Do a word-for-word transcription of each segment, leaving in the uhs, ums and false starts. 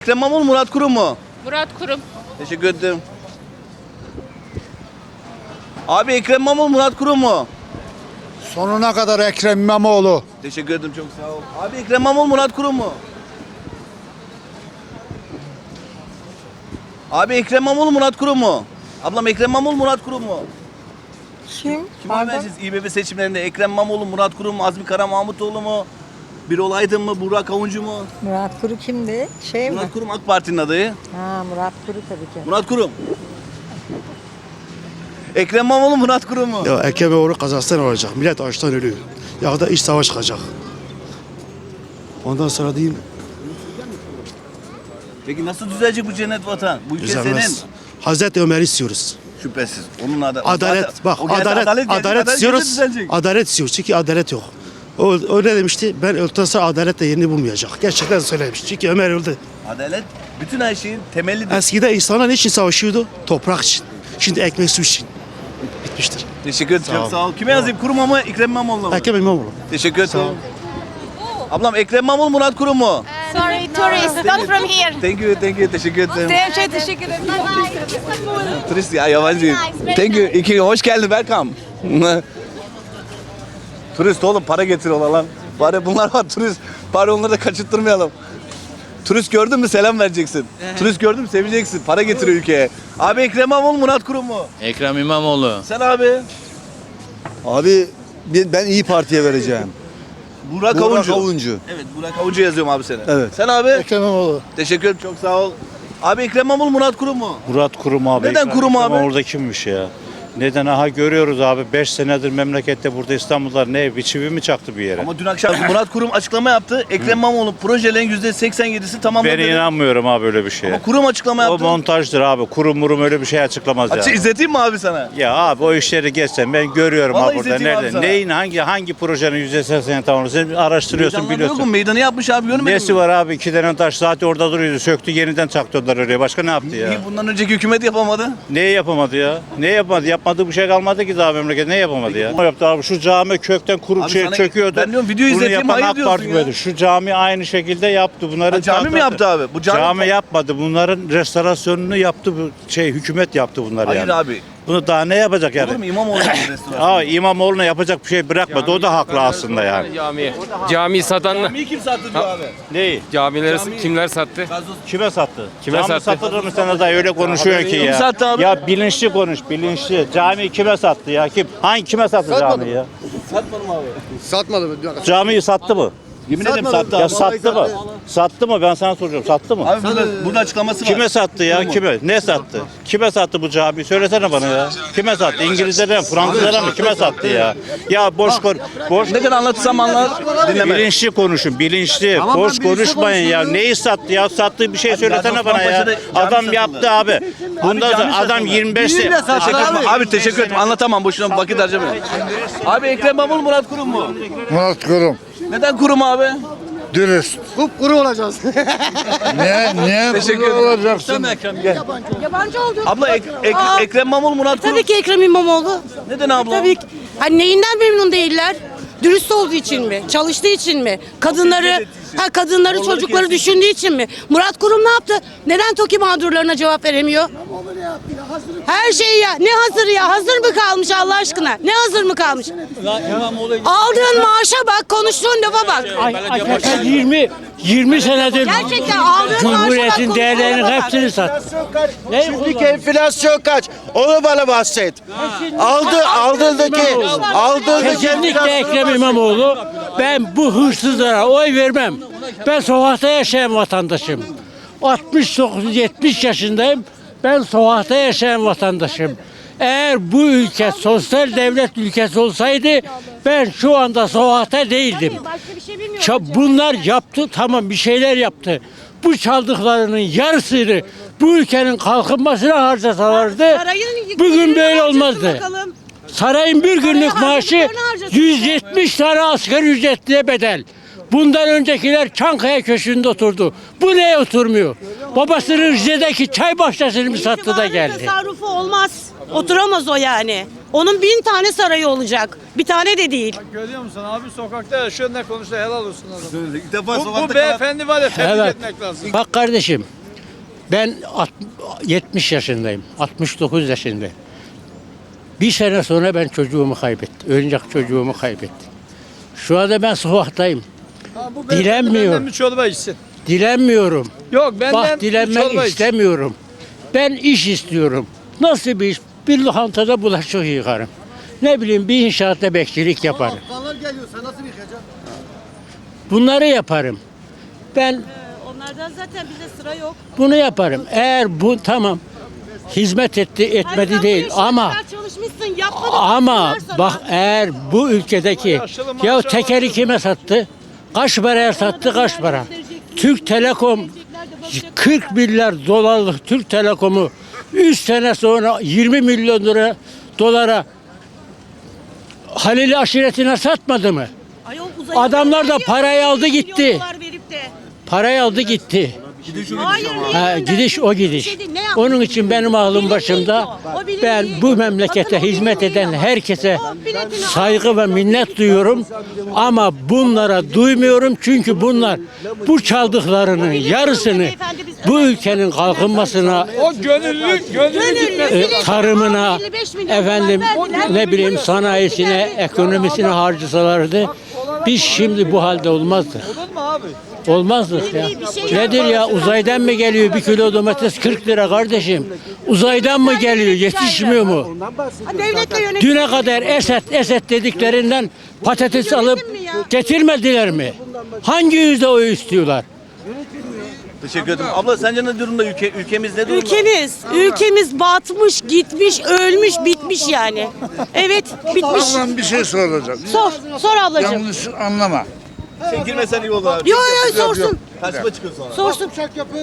Ekrem İmamoğlu, Murat Kurum mu? Murat Kurum. Teşekkür ederim. Abi Ekrem İmamoğlu, Murat Kurum mu? Sonuna kadar Ekrem İmamoğlu. Teşekkür ederim, çok sağ ol. Abi Ekrem İmamoğlu, Murat Kurum mu? Abi Ekrem İmamoğlu, Murat Kurum mu? Ablam Ekrem İmamoğlu, Murat Kurum mu? Kim? Kime oy vereceğiz İBB seçimlerinde? Ekrem İmamoğlu, Murat Kurum mu? Azmi Kara Mahmutoğlu mu? Birol Aydın mı? Burak Avuncu mu? Murat Kuru kimdi? Şey mi? Murat Kurum AK Parti'nin adayı. Ha, Murat Kuru tabii ki. Murat Kurum. Ekrem İmamoğlu, Murat Kurum mu? Ya Ekrem İmamoğlu kazansa ne olacak? Millet açtan ölüyor. Ya da iç savaş çıkacak. Ondan sonra diyeyim Peki nasıl düzelecek bu cennet vatan? Bu ülke düzelmez. senin. Hazreti Ömer'i istiyoruz. Şüphesiz. Onun adı. Adalet, Zaten- bak o geldi, adalet, adalet, geldi, geldi, istiyoruz. düzelecek. Adalet istiyoruz çünkü adalet yok. O öyle demişti. Ben öldükten sonra adalet de yerini bulmayacak. Gerçekten söylemiş. Çünkü Ömer öldü. Adalet bütün her şeyin temelidir. Eskiden insanlar niçin savaşıyordu? Toprak için. Şimdi ekmek su için. Bitmiştir. Teşekkür ederim. Sağ Çok ol. sağ ol. Kime yazayım? Kurum'a mı? Ekrem İmamoğlu'na mı? Ekrem İmamoğlu. Teşekkür Sağ ol. ederim. Ablam Ekrem İmamoğlu, Murat Kurum mu? Sorry, tourist, not from here. Thank you, thank you. Teşekkür ederim. Şey, teşekkür ederim. Turist ya, yabancı. Thank you. İki, hoş geldin. Welcome. Turist oğlum, para getiriyorlar lan. Bari bunlar var turist. Bari onları da kaçırttırmayalım. Turist gördün mü selam vereceksin. Turist gördün mü seveceksin. Para getiriyor ülkeye. Abi Ekrem İmamoğlu, Murat Kurum mu? Ekrem İmamoğlu. Sen abi. Abi ben İyi Parti'ye vereceğim. Burak, Burak Avuncu. Avuncu. Evet, Burak Avuncu yazıyorum abi seni. Evet. Sen abi. Ekrem İmamoğlu. Teşekkür ederim, çok sağ ol. Abi Ekrem İmamoğlu, Murat Kurum mu? Murat Kurum abi. Neden Kurum abi? Orada kimmiş ya? Neden? Aha görüyoruz abi. beş senedir memlekette burada İstanbul'da ne? Bir çivi mi çaktı bir yere? Ama dün akşam Murat Kurum açıklama yaptı. Ekrem İmamoğlu projelerin yüzde seksen yedisi tamamladı. Ben inanmıyorum abi öyle bir şeye. Ama Kurum açıklama O yaptı. montajdır abi. Kurum murum öyle bir şey açıklamaz Açı ya. izleteyim mi abi sana? Ya abi o işleri geçsen ben görüyorum Vallahi abi burada. izleteyim abi Nerede? sana. Neyin hangi hangi projenin yüzde sekseni tamamladı? Sen araştırıyorsun Meydanlar yok mu? biliyorsun. Meydanı yapmış abi, görmedin Nesi mi? var abi? İki tane taş zaten orada duruyordu. Söktü yeniden çaktırdılar oraya. Başka ne yaptı ya? Niye bundan önceki hükümet yapamadı? Neyi yapamadı ya? Ne yapamadı? Yapmadığı bir şey kalmadı ki daha memleket. Ne yapamadı ya? O yaptı abi. Şu cami kökten kurup Abi şey sana- çöküyordu. ben diyorum video Bunu izleteyim, yapan hayır AK diyorsun Parti ya. böyle. Şu cami aynı şekilde yaptı. Bunları Ha, cami mi yaptı abi? Bu cami- cami yapmadı. Bunların restorasyonunu yaptı bu şey hükümet yaptı bunları Hayır yani. abi. Bunu daha ne yapacak yani? Olur mu İmamoğlu'nun restoranı? Aa İmamoğlu'na yapacak bir şey bırakmadı. O da haklı aslında yani. Camiye. Cami satan Camiyi kim sattı diyor abi? Neyi? camileri kimler sattı? Kime sattı? Kime Cami sattı? satılır mı sana da öyle konuşuyorsun ki Kim ya. sattı abi? Ya bilinçli konuş, bilinçli. Cami kime sattı ya? Kim? Hangi kime sattı camiyi ya? Satmadım abi. Satmadı mı? Camiyi sattı mı? Yemin ederim sattı Ya abi. sattı mı? Sattı mı? Ben sana soruyorum. Sattı mı? Abi burada, burada açıklaması var. Kime sattı ya? Kime? Ne sattı? Kime sattı bu camiyi? Söylesene bana ya. Kime sattı? İngilizlere mi? Fransızlara mı? Kime sattı ya? Ya boş kon boş Ne kadar anlatırsam anlar, dinleme. bilinçli konuşun. Bilinçli. boş konuşmayın ya. Neyi sattı ya? Sattığı bir şey söylesene bana ya. Gazozpaşa'da cami Adam satıldı. yaptı abi. Bundan cami sonra adam satıldı. yirmi beş Teşekkür ederim. Abi teşekkür ederim. Anlatamam, boşuna vakit harcamayın. Abi Ekrem İmamoğlu, Murat Kurum mu? Murat Kurum. Neden Kurum abi? Dürüst. Kupkuru olacağız. Niye? Niye Teşekkür kuru ederim. olacaksın? Yabancı oldu. Abla Ek- Ek- Aa, Ekrem İmamoğlu, Murat Kurum. Tabii ki Ekrem İmamoğlu. Neden abla? Tabii ki. Hani neyinden memnun değiller? Dürüst olduğu için mi? Çalıştığı için mi? Kadınları, ha kadınları, Onları çocukları kesin. düşündüğü için mi? Murat Kurum ne yaptı? Neden TOKİ mağdurlarına cevap veremiyor? Her şey ya. Ne hazır ya? Hazır mı kalmış Allah aşkına? Ne hazır mı kalmış? Aldığın maaşa bak, konuştuğun lafa bak. Arkadaşlar yirmi yirmi senedir Gerçekten aldığın maaşa bak, Cumhuriyet'in konuştuğun değerlerinin lafa bak. hepsini sattı. Ne? Şimdiki enflasyon kaç? Onu bana bahset. Aldı, aldığındaki, aldığındaki Kesinlikle Ekrem İmamoğlu. Ben bu hırsızlara oy vermem. Ben sokakta yaşayan vatandaşım. altmış dokuz yetmiş yaşındayım. Ben sokakta yaşayan vatandaşım. Eğer bu ülke sosyal devlet ülkesi olsaydı ben şu anda sokakta değildim. Ça- Bunlar yaptı, tamam bir şeyler yaptı. Bu çaldıklarının yarısını bu ülkenin kalkınmasına harcasalardı Sarayın bugün yüklerini böyle harcasın olmazdı. bakalım. Sarayın bir günlük Sarayın maaşı harcadıklarını harcasın. yüz yetmiş tane asgari ücretliye bedel. Bundan öncekiler Çankaya Köşkü'nde oturdu. Bu neye oturmuyor? Babasının Rize'deki çay bahçesini mi sattı da İtibarın geldi? tasarrufu olmaz. Oturamaz o yani. Onun bin tane sarayı olacak. Bir tane de değil. Görüyor musun abi sokakta yaşıyor ne konuşuyor helal olsun adam. İlk defa Bu, sokakta bu kalan- beyefendi var ya tebrik Evet. etmek lazım. Bak kardeşim, ben alt- yetmiş yaşındayım, altmış dokuz yaşındayım. Bir sene sonra ben çocuğumu kaybettim. Oyuncak çocuğumu kaybettim. Şu anda ben sokaktayım. Ha, bu beyefendi Dilenmiyor. benden bir çorba içsin. Dilenmiyorum. Yok benden Bak bir çorba dilenmek iç. istemiyorum. Ben iş istiyorum. Nasıl bir iş? Bir lokantada bulaşık yıkarım. Ne bileyim bir inşaatta bekçilik yaparım. Bunları yaparım. Ben Onlardan zaten bize sıra yok. bunu yaparım. Eğer bu tamam hizmet etti etmedi değil ama çalışmışsın, yapmadın. ama bak eğer bu ülkedeki ya tekeri kime sattı? Kaç paraya sattı kaç para? Türk Telekom kırk milyar dolarlık Türk Telekom'u üç sene sonra yirmi milyon lira dolara Halil aşiretine satmadı mı? Adamlar da parayı aldı gitti. Parayı aldı gitti. Hayır, Ha, gidiş o gidiş. Onun için benim aklım başımda. Ben bu memlekete hizmet eden herkese saygı ve minnet duyuyorum. Ama bunlara duymuyorum çünkü bunlar bu çaldıklarının yarısını bu ülkenin kalkınmasına, O gönüllü, gönüllü gitmesi. e, tarımına, efendim ne bileyim sanayisine, ekonomisine harcasalardı biz şimdi bu halde olmazdık. Olur mu abi? Olmazdık ya. Nedir ya uzaydan mı geliyor bir kilo domates kırk lira kardeşim? Uzaydan mı geliyor yetişmiyor mu? Devletle yönetim. Düne kadar Esed Esed dediklerinden patates alıp getirmediler mi? Hangi yüzde oy istiyorlar? Teşekkür ederim. Abla sence ne durumda ülke ülkemiz ne durumda? Ülkemiz, ülkemiz batmış, gitmiş, ölmüş, bitmiş yani. Evet, bitmiş. Ablam bir şey soracak. Sor, sor ablacığım. Yanlış anlama. Sen girmesen iyi olur abi. Yo yo sorsun, Karşıma çıkıyor sonra. sorsun.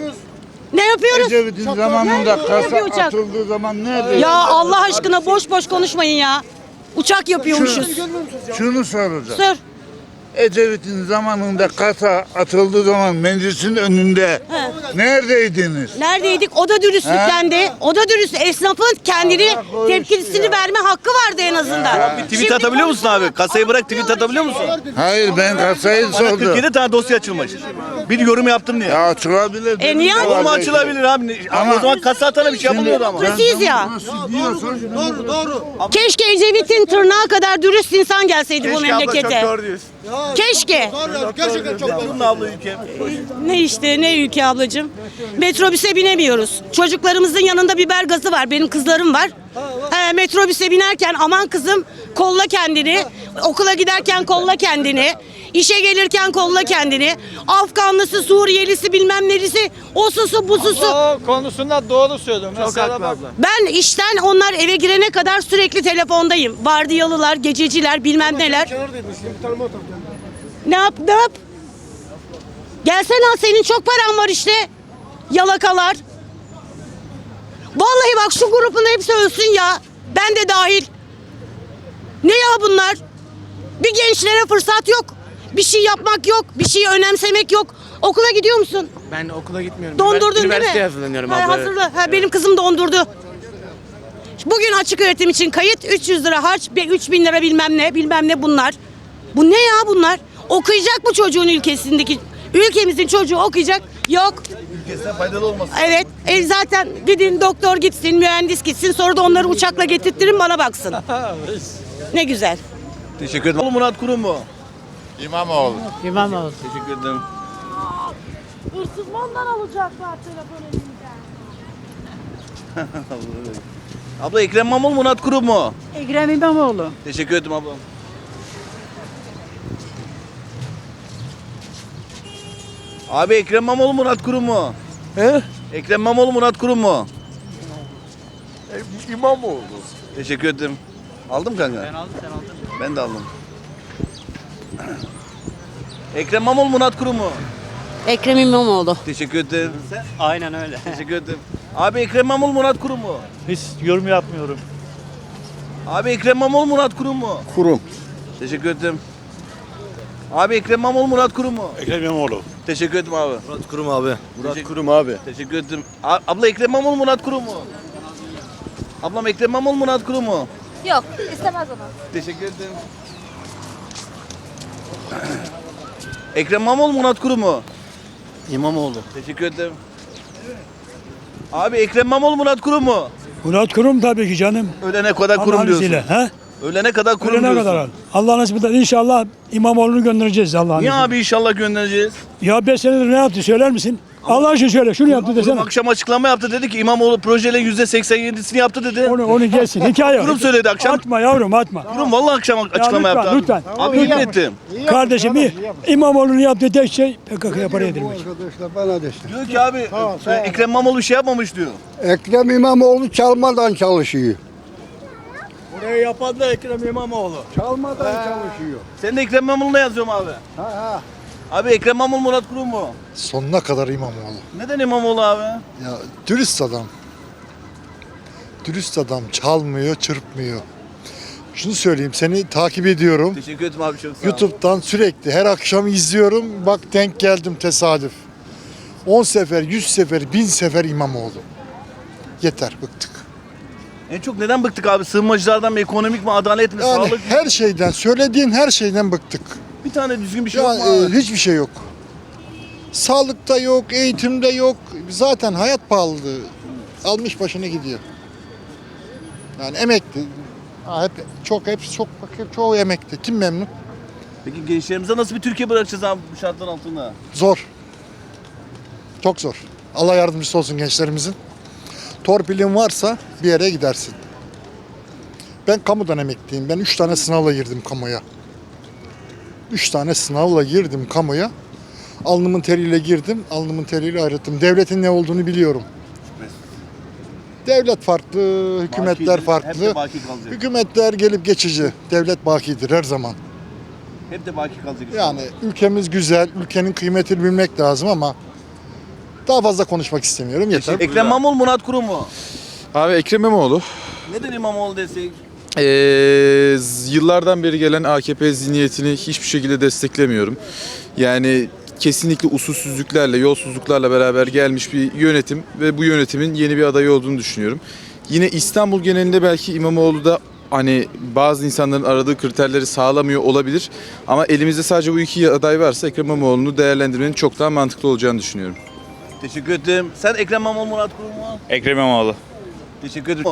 Ne yapıyoruz? Ecevit'in zamanında kasa Bir uçak. atıldığı zaman nerede? Ya Allah aşkına boş boş konuşmayın ya. Uçak yapıyormuşuz. Şunu soracağım. Sor. Ecevit'in zamanında kasa atıldığı zaman meclisin önünde neredeydiniz? Neredeydik? O da dürüstlüklendi. O da dürüst. Esnafın kendini Allah korusun tepkisini ya. verme hakkı vardı en azından. Bir tweet atabiliyor musun abi? Kasayı bırak tweet atabiliyor musun? Hayır ben kasayı sordum. kırk yedi tane dosya açılmış. Bir yorum yaptım diye. Ya açılabilir. E niye dedim. Olur mu açılabilir abi? Ama- o zaman kasa atana bir şey yapılmıyordu ama. Demokrasiyiz ya. Doğru doğru. Keşke Ecevit'in tırnağı kadar dürüst insan gelseydi bu Keşke abla, memlekete. çok doğru diyorsun. Keşke. Gerçekten çok doğru. Durumda abla ülke. Ne işte ne ülke ablacığım. Metrobüse binemiyoruz. Çocuklarımızın yanında biber gazı var. Benim kızlarım var. He, metrobüse binerken aman kızım kolla kendini. Okula giderken kolla kendini. İşe gelirken kolla kendini. Afganlısı, Suriyelisi bilmem nelisi. O susu bu susu. O konusunda doğru söylüyorum. Mesela bak. Ben işten onlar eve girene kadar sürekli telefondayım. Vardiyalılar, gececiler bilmem neler. Ne yap ne yap? Gelsene senin çok paran var işte. Yalakalar. Vallahi bak şu grubun hepsi ölsün ya. Ben de dahil. Ne ya bunlar? Bir gençlere fırsat yok. Bir şey yapmak yok. Bir şeyi önemsemek yok. Okula gidiyor musun? Ben okula gitmiyorum. Dondurdun değil mi? Üniversiteye hazırlanıyorum Ha, abla. hazırla. Ha, benim kızım dondurdu. Bugün açık öğretim için kayıt üç yüz lira harç, üç bin lira bilmem ne, bilmem ne bunlar. Bu ne ya bunlar? Okuyacak bu çocuğun ülkesindeki, ülkemizin çocuğu okuyacak. Yok. Ülkesine faydalı olmasın. Evet. E zaten gidin doktor gitsin, mühendis gitsin, sonra da onları uçakla getirttirin bana baksın. Ne güzel. Teşekkür ederim. Murat Kurum mu? İmamoğlu. İmamoğlu. Teşekkür ederim. Hırsızmandan alacaklar telefon elinden. Abla Ekrem İmamoğlu Murat Kurum mu? Ekrem İmamoğlu. Teşekkür ederim ablam. Abi Ekrem İmamoğlu Murat Kurum mu? He? Ekrem İmamoğlu Murat Kurum mu? İmamoğlu. Teşekkür ederim. Aldın mı kanka? Ben aldım, sen aldın. Ben de aldım. Ekrem İmamoğlu Murat Kurum mu? Ekrem İmamoğlu. Teşekkür ederim. Sen? Aynen öyle. Teşekkür ederim. Abi Ekrem İmamoğlu Murat Kurum mu? Hiç yorum yapmıyorum. Abi Ekrem İmamoğlu Murat Kurum mu? Kurum. Teşekkür ederim. Abi Ekrem İmamoğlu Murat Kurum mu? Ekrem İmamoğlu. Teşekkür ederim abi. Murat Kurum abi. Murat Teşekkür- Kurum abi. Teşekkür ederim. A- Abla Ekrem İmamoğlu Murat Kurum mu? Ablam Ekrem İmamoğlu mu Murat Kurum mu? Yok, istemez onu. Teşekkür ederim. Ekrem İmamoğlu mu Murat Kurum mu? İmamoğlu. Teşekkür ederim. Abi Ekrem İmamoğlu Murat Kurum mu? Murat Kurum tabii ki canım. Ölene kadar kurum Allah'ın diyorsun. izniyle, he? Ölene kadar kurum Ölene diyorsun. kadar. Allah nasip eder. İnşallah İmamoğlu'nu göndereceğiz Allah'ın Niye izniyle. abi inşallah göndereceğiz? Ya beş senedir ne yaptı söyler misin? Allah için söyle. Şunu yaptı Kurum desene. akşam açıklama yaptı, dedi ki İmamoğlu projelerin yüzde seksen yedisini yaptı dedi. Onu, onu gelsin. Hikaye. Kurum söyledi akşam. Atma yavrum atma. Kurum vallahi akşam açıklama lütfen, yaptı abi. lütfen. Abi Lütfen. yemin ettim. Kardeşim İ- İmamoğlu'nun yaptığı tek şey P K K'ya para yedirmek. Diyor ki abi e, Ekrem İmamoğlu bir şey yapmamış diyor. Ekrem İmamoğlu çalmadan çalışıyor. Burayı yapan da Ekrem İmamoğlu. Çalmadan çalışıyor. Sen de Ekrem İmamoğlu'na yazıyorum abi. Ha ha. Abi Ekrem İmamoğlu Murat Kurum mu? Sonuna kadar İmamoğlu. Neden İmamoğlu abi? Ya dürüst adam. Dürüst adam çalmıyor, çırpmıyor. Şunu söyleyeyim, seni takip ediyorum. Teşekkür ederim abi, çok sağ ol. YouTube'dan sürekli her akşam izliyorum. Bak denk geldim tesadüf. on sefer, yüz sefer, bin sefer İmamoğlu. Yeter, bıktık. En çok neden bıktık abi? Sığınmacılardan mı, ekonomik mi, adalet mi, Yani sağlık mı? her şeyden, söylediğin her şeyden bıktık. Bir tane düzgün bir şey Ya yok mu e, abi? hiçbir şey yok. Sağlıkta yok, eğitimde yok. Zaten hayat pahalılığı almış başını gidiyor. Yani emekli. Ha, hep çok hep çok bak hep çoğu emekli. Kim memnun? Peki gençlerimize nasıl bir Türkiye bırakacağız abi bu şartlar altında? Zor. Çok zor. Allah yardımcısı olsun gençlerimizin. Torpilin varsa bir yere gidersin. Ben kamudan emekliyim. Ben üç tane sınavla girdim kamuya. Üç tane sınavla girdim kamuya. Alnımın teriyle girdim, alnımın teriyle ayrıldım. Devletin ne olduğunu biliyorum. Devlet farklı, hükümetler Bakidir, hep farklı. de baki kalacak. Hükümetler gelip geçici. Devlet bakidir her zaman. Hep de baki kalacak. Yani ülkemiz güzel, ülkenin kıymetini bilmek lazım ama daha fazla konuşmak istemiyorum. Yeter. Ekrem İmamoğlu Murat Kurum mu? Abi Ekrem İmamoğlu Neden İmamoğlu desek? ee, yıllardan beri gelen A K P zihniyetini hiçbir şekilde desteklemiyorum. Yani kesinlikle usulsüzlüklerle, yolsuzluklarla beraber gelmiş bir yönetim ve bu yönetimin yeni bir adayı olduğunu düşünüyorum. Yine İstanbul genelinde belki İmamoğlu da hani bazı insanların aradığı kriterleri sağlamıyor olabilir. Ama elimizde sadece bu iki aday varsa Ekrem İmamoğlu'nu değerlendirmenin çok daha mantıklı olacağını düşünüyorum. Teşekkür ederim. Sen Ekrem İmamoğlu Murat Kurum mu? Ekrem İmamoğlu. Teşekkür ederim.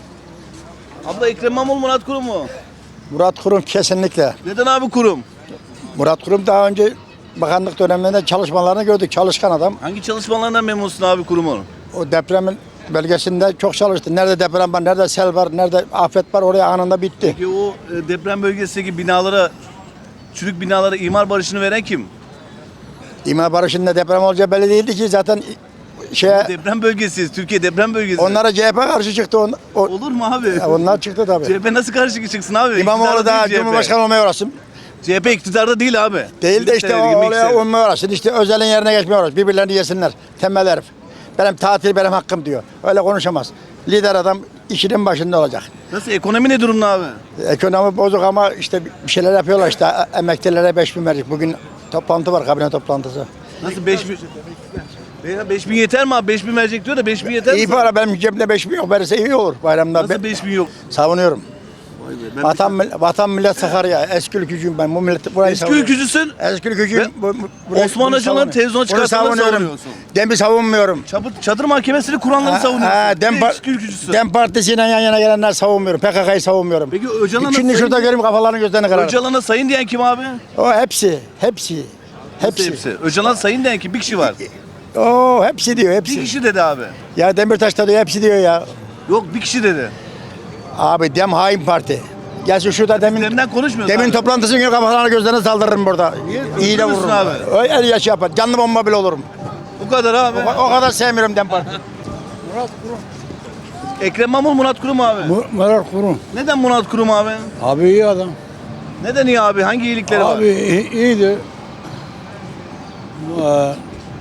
Abla Ekrem İmamoğlu Murat Kurum mu? Murat Kurum kesinlikle. Neden abi Kurum? Murat Kurum daha önce bakanlık döneminde çalışmalarını gördük. Çalışkan adam. Hangi çalışmalarından memnunsun abi Kurum'un? O depremin bölgesinde çok çalıştı. Nerede deprem var, nerede sel var, nerede afet var oraya anında bitti. Peki o e, deprem bölgesindeki binalara, çürük binalara imar barışını veren kim? İmar barışında deprem olacağı belli değildi ki zaten şeye Deprem bölgesiyiz. Türkiye deprem bölgesi. onlara C H P karşı çıktı. On, o, Olur mu abi? Ya onlar çıktı tabii. C H P nasıl karşı çıksın abi? İmamoğlu İktidarda da değil C H P. Cumhurbaşkanı olmaya uğraşsın. C H P iktidarda değil abi. Değil de işte Girmek o, ister, oraya girmek olmaya uğraşsın. İşte özelin yerine geçmeye uğraş. Birbirlerini yesinler. Tembel herif. Benim tatil benim hakkım diyor. Öyle konuşamaz. Lider adam işinin başında olacak. ister. Nasıl? Ekonomi ne durumda abi? Ekonomi bozuk ama işte bir şeyler yapıyorlar işte. Emeklilere beş bin verecek. Bugün toplantı var, kabine toplantısı. Nasıl beş bin? Veya beş bin yeter mi abi? beş bin verecek diyor da beş bin yeter mi? İyi para, benim cebimde beş bin yok. Verirse iyi olur bayramda. Nasıl Ben beş bin yok? savunuyorum. Vay be, ben Vatan, mil- vatan millet Sakarya. Eski ülkücüyüm ben. Bu millet burayı Eski savunuyorum. ülkücüsün. Eski ülkücüyüm. Ve Bu- bu- burayı- Osman bunu Hacı'nın savunuyorum. televizyona Bunu çıkarttığını savunuyorum. savunuyorsun. Dem'i savunmuyorum. Çadır, çadır mahkemesini kuranları savunuyorsun. Ha, Dem, Bir de par- eski ülkücüsün. Dem Partisi'yle yan yana gelenler savunmuyorum. P K K'yı savunmuyorum. Peki Öcalan'a Şimdi sayın, şurada göreyim kafalarını gözlerini kırarım. Öcalan'a sayın diyen kim abi? O hepsi, hepsi. Hepsi. Hepsi. hepsi. Öcalan sayın diyen kim? Bir kişi var. Oo hepsi diyor, Bir hepsi. kişi dedi abi. Ya Demirtaş da diyor, hepsi diyor ya. Yok bir kişi dedi. Abi Dem hain parti. Gelsin şurada demin Üzerinden konuşmuyoruz demin abi. toplantısını gör kafalarını gözlerine saldırırım burada. İyi de Öldürürsün vururum. abi. Öyle el yaş yapar. Canlı bomba bile olurum. Bu kadar abi. O, o kadar sevmiyorum Dem Parti. Ekrem İmamoğlu Murat Kurum abi. Murat Kurum. Neden Murat Kurum abi? Abi iyi adam. Neden iyi abi? Hangi iyilikleri var? Abi i- iyiydi. Ee,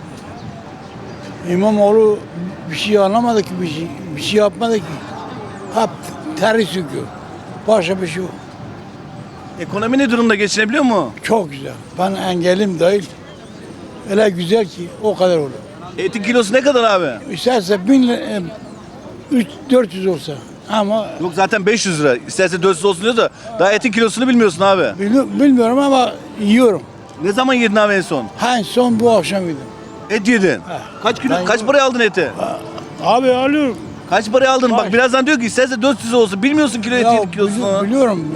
İmamoğlu bir şey anlamadı ki, bir şey, bir şey yapmadı ki. Hep teri söküyor. Başka bir şey yok. Ekonomi ne durumda, geçinebiliyor mu? Çok güzel. Ben engelim değil. Öyle güzel ki o kadar olur. Etin kilosu ne kadar abi? İsterse bin, li- e, üç, dört yüz olsa Ama Yok zaten beş yüz lira. İsterse dört yüz olsun diyor da daha etin kilosunu bilmiyorsun abi. bili- bilmiyorum ama yiyorum. Ne zaman yedin abi en son? En son bu akşam yedim. Et yedin. Kaç kilo, Ben- kaç paraya aldın eti? Abi alıyorum. Kaç paraya aldın? Bak Kaç? birazdan diyor ki isterse dört yüz olsun. Bilmiyorsun kilo Ya eti kilosunu. bili- biliyorum.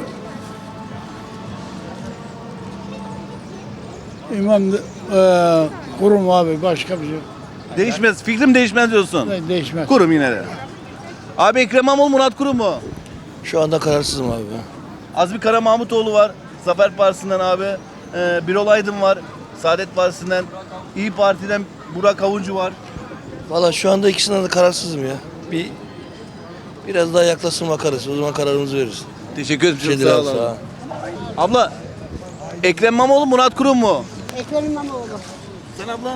İmam e, kurum abi başka bir şey yok. Değişmez. Fikrim değişmez diyorsun. De- değişmez. Kurum yine de. Abi Ekrem İmamoğlu, Murat Kurum mu? Şu anda kararsızım abi. Azmi Kara Mahmutoğlu var. Zafer Partisi'nden abi. Ee, Birol Aydın var. Saadet Partisi'nden. İyi Parti'den Burak Avuncu var. Valla şu anda ikisinden de kararsızım ya. Bir biraz daha yaklaşsın bakarız. O zaman kararımızı veririz. Teşekkür ederim. Bir şey Çok değil sağ abi, olun. sağ ol. Abla Ekrem İmamoğlu, Murat Kurum mu? Ekrem İmamoğlu. Sen abla?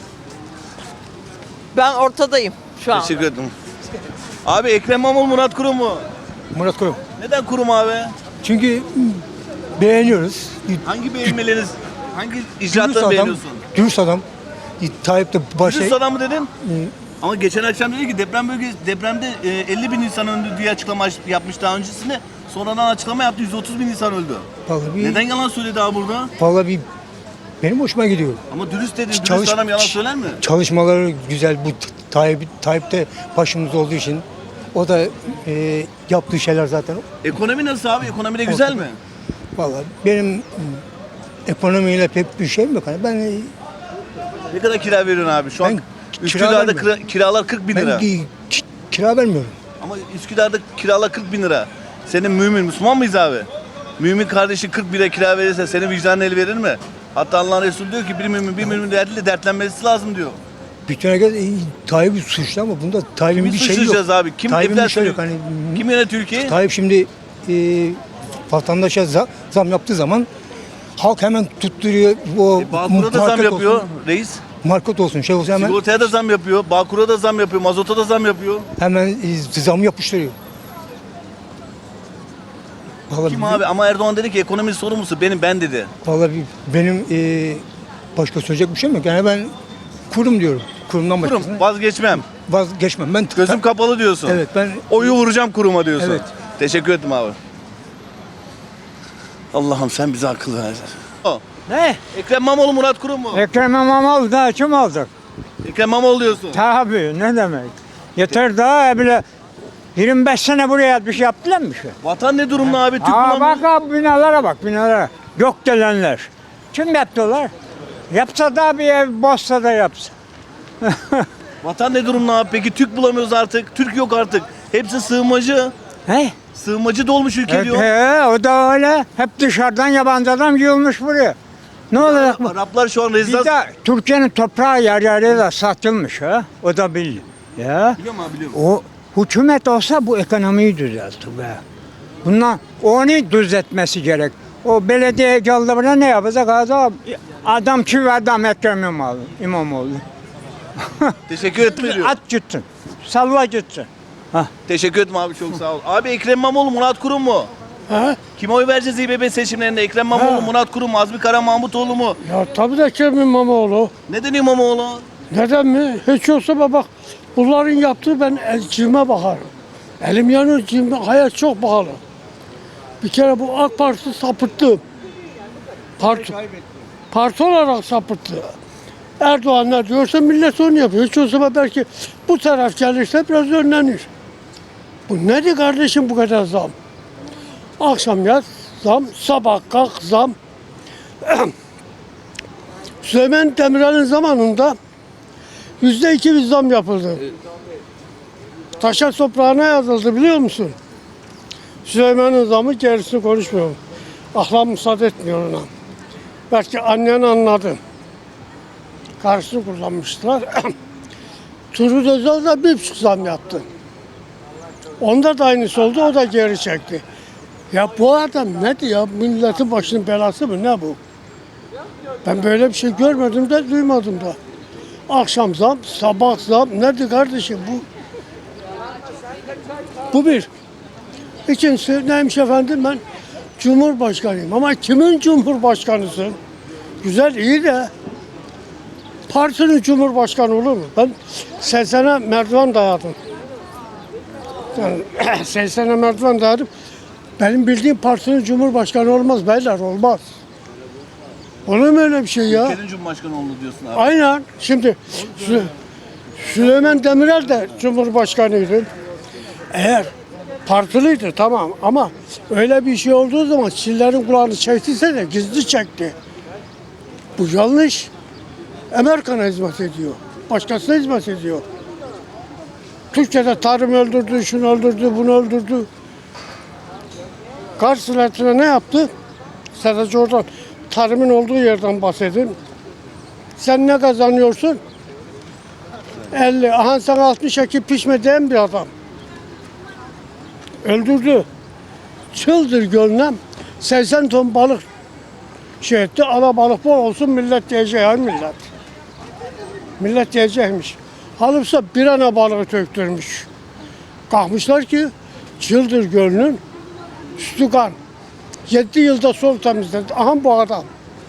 Ben ortadayım şu an. Teşekkür ederim. Abi Ekrem İmamoğlu, Murat Kurum mu? Murat Kurum. Neden Kurum abi? Çünkü beğeniyoruz. Hangi beğenmeleriniz, hangi icraatları beğeniyorsun? Dürüst adam. Tayyip de başı. Dürüst adam mı dedin? Ama geçen akşam dedi ki deprem bölgesi, depremde e, elli bin insan öldü diye açıklama yapmış daha öncesinde. Sonradan açıklama yaptı, yüz otuz bin insan öldü. Vallahi bir, Neden yalan söyledi abi burada? vallahi bir benim hoşuma gidiyor. Ama dürüst dedi, dürüst Çalış- adam yalan söyler mi? Çalışmaları güzel. Bu Tayyip, Tayyip de başımızda olduğu için o da e, yaptığı şeyler zaten. Ekonomi nasıl abi? Ekonomi de güzel mi? Vallahi benim m, ekonomiyle pek bir şeyim yok. Hani ben Ne kadar kira veriyorsun abi? Şu an Ben kira Üsküdar'da vermiyorum. kira- kiralar kırk bin ben lira. ki- ki- kira vermiyorum. Ama Üsküdar'da kiralar kırk bin lira. Senin mümin, Müslüman mıyız abi? Mümin kardeşi kırk bin lira kira verirse senin vicdanın el verir mi? Hatta Allah'ın Resulü diyor ki bir mümin bir mümin derdiyle dertlenmesi lazım diyor. Bütün herkes e, Tayyip'i suçlu ama bunda Tayyip'in Kimi bir şeyi yok. suçlayacağız abi? Kim Tayyip'in bir enflasyon- şey yok. Hani, Kim yönetiyor ülkeyi? Tayyip şimdi e, vatandaşa za- zam yaptığı zaman halk hemen tutturuyor. O E, Bağkur'a da zam market yapıyor olsun, reis. market olsun şey olsun hemen Sigortaya da zam yapıyor. Bağkur'a da zam yapıyor. Mazota da zam yapıyor. hemen e, zam yapıştırıyor. Vallahi, Kim abi? Ama Erdoğan dedi ki ekonomi sorumlusu benim ben dedi. Vallahi bir- benim e, başka söyleyecek bir şeyim yok. Yani ben kurum diyorum. Kurumdan Kurum başkasına vazgeçmem. vazgeçmem. Ben Gözüm kapalı diyorsun. Evet ben Oyu vuracağım kuruma diyorsun. Evet. Teşekkür ederim abi. Allah'ım sen bize akıl ver. O. Ne? Ekrem İmamoğlu, Murat Kurum mu? Ekrem İmamoğlu daha kim aldık? Ekrem İmamoğlu diyorsun. Tabii ne demek? Yeter daha bile yirmi beş sene buraya bir şey yaptılar mı şu? Vatan ne durumda abi? Türk Aa bulamıyoruz. bak abi binalara bak binalara. Gökdelenler. Kim yaptılar? Yapsa da bir ev bozsa da yapsa. Vatan ne durumda abi? Peki Türk bulamıyoruz artık. Türk yok artık. Hepsi sığınmacı. He? Sığınmacı dolmuş ülke Evet, diyor. he, o da öyle. Hep dışarıdan yabancı adam yığılmış buraya. Ne olacak bu? Araplar şu an Bir rezidans... de Türkiye'nin toprağı yer yere de satılmış ha. O da bil. Ya. Biliyorum abi biliyorum. O hükümet olsa bu ekonomiyi düzeltir be. Bundan onu düzeltmesi gerek. O belediye geldi buraya ne yapacak adam? Adam çivi adam Ekrem İmamoğlu. İmamoğlu. Teşekkür ederim. At gitsin. Salla gitsin. Teşekkür ederim abi çok sağ ol. Abi Ekrem İmamoğlu, Murat Kurum mu? Ha? Kime oy vereceğiz İBB seçimlerinde? Ekrem İmamoğlu, Murat Kurum mu? Azmi Kara Mahmutoğlu mu? Ya tabii de Ekrem İmamoğlu. Neden İmamoğlu? Neden mi? Hiç yoksa bak bunların yaptığı ben elcime bakarım. Elim yanıyor cime. Hayat çok pahalı. Bir kere bu AK Parti sapıttı. Parti, parti olarak sapıttı. Erdoğan ne diyorsa millet onu yapıyor. Hiç olsa belki bu taraf gelirse biraz önlenir. Bu nedir kardeşim bu kadar zam? Akşam yat zam, sabah kalk zam. Süleyman Demirel'in zamanında yüzde iki bir zam yapıldı. Taşa toprağına yazıldı biliyor musun? Süleyman'ın zamı gerisini konuşmuyorum. Aklam müsaade etmiyor ona. Belki annen anladı. Karşısını kullanmışlar. Turgut Özal da bir buçuk zam yaptı. Onda da aynısı oldu, o da geri çekti. Ya bu adam ne diyor? Milletin başının belası mı? Ne bu? Ben böyle bir şey görmedim de duymadım da. Akşam zam, sabah zam. Nerede kardeşim bu? Bu bir. İkincisi neymiş efendim ben Cumhurbaşkanıyım. Ama kimin Cumhurbaşkanısın? Güzel iyi de partinin Cumhurbaşkanı olur mu? Ben seksene merdiven dayadım. Yani seksen sene merdiven dayanıp benim bildiğim partinin cumhurbaşkanı olmaz beyler, olmaz. Olur mu öyle bir şey ya? Ülkenin Cumhurbaşkanı oldu diyorsun abi. Aynen. Şimdi Sü- Süleyman Demirel de cumhurbaşkanıydı. Eğer partiliydi tamam ama öyle bir şey olduğu zaman Çinlerin kulağını çektiyse de gizli çekti. Bu yanlış. Amerika'na hizmet ediyor. Başkasına hizmet ediyor. Türkiye'de tarım öldürdü, şunu öldürdü, bunu öldürdü. Karşısına ne yaptı? Sadece oradan tarımın olduğu yerden bahsedin. Sen ne kazanıyorsun? elli. Aha sen altmış ekip pişme diyen bir adam. Öldürdü. Çıldır gönlem. seksen ton balık şey etti. Ala balık bol olsun millet diyecek ya millet. Millet diyecekmiş. Halıpsa bir ana balığı töktürmüş. Kalkmışlar ki çıldır gönlün üstü kan. Yedi yılda sol temizledi. Aha bu adam.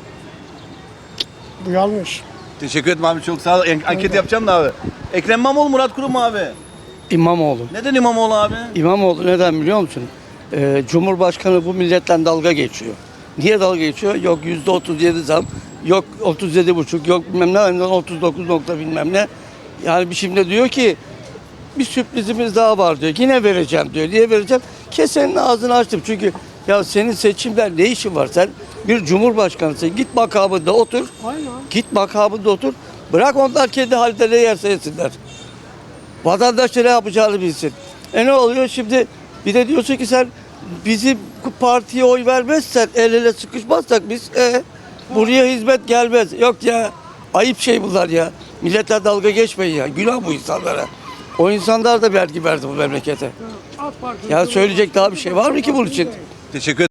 Bu yanlış. Teşekkür ederim abi, çok sağ ol. En- Anket yapacağım da abi. Ekrem İmamoğlu, Murat Kurum mu abi? İmamoğlu. Neden İmamoğlu abi? İmamoğlu neden biliyor musun? Ee, Cumhurbaşkanı bu milletten dalga geçiyor. Niye dalga geçiyor? Yok yüzde otuz yedi zam, yok otuz yedi buçuk, yok bilmem ne, otuz dokuz nokta bilmem ne. Yani bir şimdi diyor ki bir sürprizimiz daha var diyor. Yine vereceğim diyor. Niye vereceğim? Kesenin ağzını açtım. Çünkü ya senin seçimler ne işin var? Sen bir cumhurbaşkanısın. Git makamında otur. Aynen. Git makamında otur. Bırak onlar kendi halde ne yerse yesinler. Vatandaş ne yapacağını bilsin. E ne oluyor şimdi? Bir de diyorsun ki sen bizim partiye oy vermezsen, el ele sıkışmazsak biz e, buraya hizmet gelmez. Yok ya, ayıp şey bunlar ya. Milletle dalga geçmeyin ya. Günah bu insanlara. O insanlar da vergi verdi bu memlekete. Ya söyleyecek daha bir şey var mı ki bunun için? Teşekkür